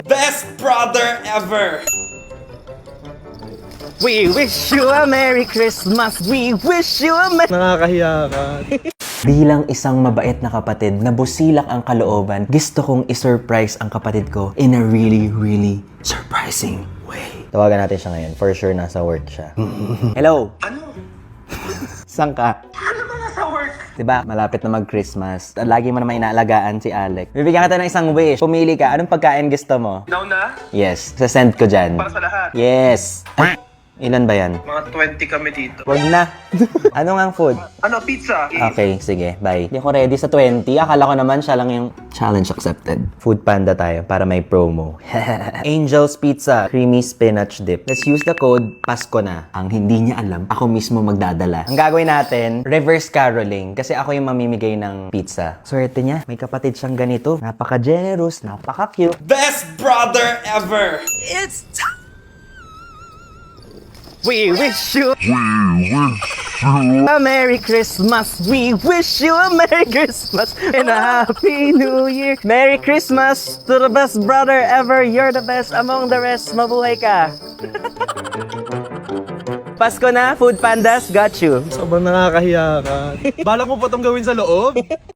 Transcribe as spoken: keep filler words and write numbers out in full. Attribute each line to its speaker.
Speaker 1: Best brother ever!
Speaker 2: We wish you a Merry Christmas. We wish you a Merry...
Speaker 3: Nakakahiya ka.
Speaker 2: Bilang isang mabait na kapatid na busilak ang kalooban, gusto kong isurprise ang kapatid ko in a really, really surprising way. Tawagan natin siya ngayon. For sure, nasa work siya. Hello?
Speaker 1: Ano?
Speaker 2: Saan ka?
Speaker 1: Ano ba nasa work?
Speaker 2: Diba, malapit na mag-Christmas. Lagi mo naman inaalagaan si Alec. Bibigyan kita ng isang wish. Pumili ka. Anong pagkain gusto mo?
Speaker 1: Now na?
Speaker 2: Yes. Sasend ko dyan.
Speaker 1: Para sa lahat.
Speaker 2: Yes. Ay, ilan ba yan?
Speaker 1: Mga twenty kami dito.
Speaker 2: Wag na. Ano nga ang food?
Speaker 1: Ano, pizza?
Speaker 2: Okay, sige. Bye. Hindi ako ready sa twenty. Akala ko naman siya lang yung challenge accepted. Food Panda tayo para may promo. Angel's Pizza. Creamy spinach dip. Let's use the code Pasko na. Ang hindi niya alam, ako mismo magdadala. Ang gagawin natin, reverse caroling. Kasi ako yung mamimigay ng pizza. Swerte niya. May kapatid siyang ganito. Napaka-generous. Napaka-cute.
Speaker 1: Best brother ever!
Speaker 2: It's time! We wish you a Merry Christmas. We wish you a Merry Christmas and a Happy New Year. Merry Christmas to the best brother ever. You're the best among the rest. Mabuhay ka. Pasko na, Food Pandas, got you.
Speaker 3: Sobrang nakakahiya ka. Balak mo pa itong gawin sa loob?